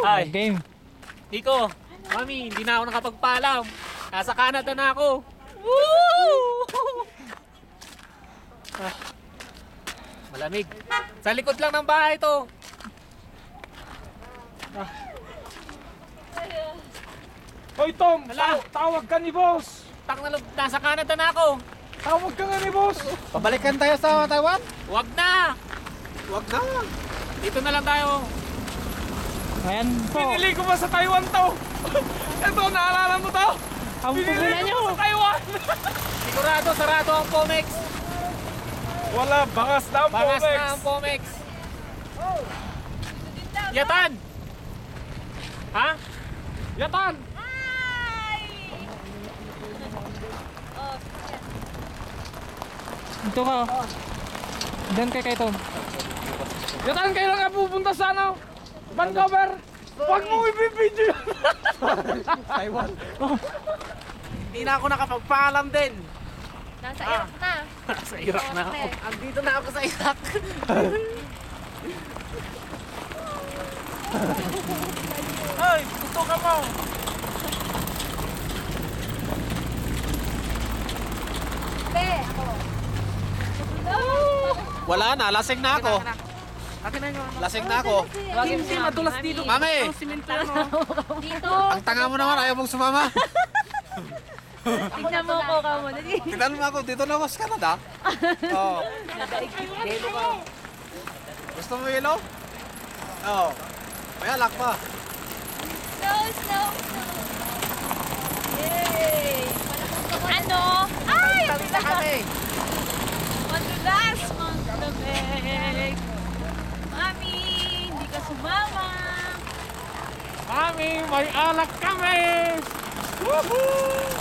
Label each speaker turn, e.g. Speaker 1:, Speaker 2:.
Speaker 1: Ay,
Speaker 2: Game.
Speaker 1: Nico, Mami, hindi na ako nakapagpaalam. Nasa Canada na ako. Woo! Ah, malamig. Sa likod lang ng bahay to.
Speaker 3: Hoy Tom,
Speaker 1: Hala.
Speaker 3: tawag ka ni boss.
Speaker 1: Nasa Canada na ako.
Speaker 3: Tawag ka nga ni boss.
Speaker 2: Pabalikan tayo sa Taiwan?
Speaker 1: Wag na.
Speaker 3: Wag na.
Speaker 1: Dito na lang tayo.
Speaker 2: Ayan po.
Speaker 3: Pinili ko ba sa Taiwan to? Ito, naalala mo to?
Speaker 2: Ang
Speaker 3: Pinili
Speaker 2: pumila
Speaker 3: ko
Speaker 2: nyo.
Speaker 3: sa Taiwan.
Speaker 1: Sigurado, sarado ang Pomex.
Speaker 3: Wala, bangas na ang
Speaker 1: Bangas
Speaker 3: Pomex.
Speaker 1: na ang Pomex. Yatan! Ha? Yatan!
Speaker 2: Ito ka. Doon kay Tom.
Speaker 3: Yatan, kailan ka pupunta sa ano? Vancouver? Huwag mo ibibidyo yun.
Speaker 2: Taiwan.
Speaker 1: Hindi na ako nakapagpaalam din.
Speaker 4: Nasa Iraq na.
Speaker 1: Sa Iraq na ako. Andito na ako sa Iraq.
Speaker 3: Ay, gusto ka mo.
Speaker 4: Be, ako.
Speaker 1: Wala na, lasing na ako. Lasing na ako.
Speaker 4: Hindi madulas dito.
Speaker 1: Mami,
Speaker 4: Dito.
Speaker 1: ang tanga mo naman, ayaw mong sumama.
Speaker 4: Tignan mo ko ka mo.
Speaker 1: Tignan mo ako, dito na ako sa Canada. Oo. Gusto mo ilaw? Oo. May alak pa.
Speaker 4: Snow, snow, snow. Yay! Ano? Ay!
Speaker 1: Talita kami.
Speaker 4: Madulas, maglamig. Mami, hindi ka sumama.
Speaker 3: Mami, may alak kami. Woohoo!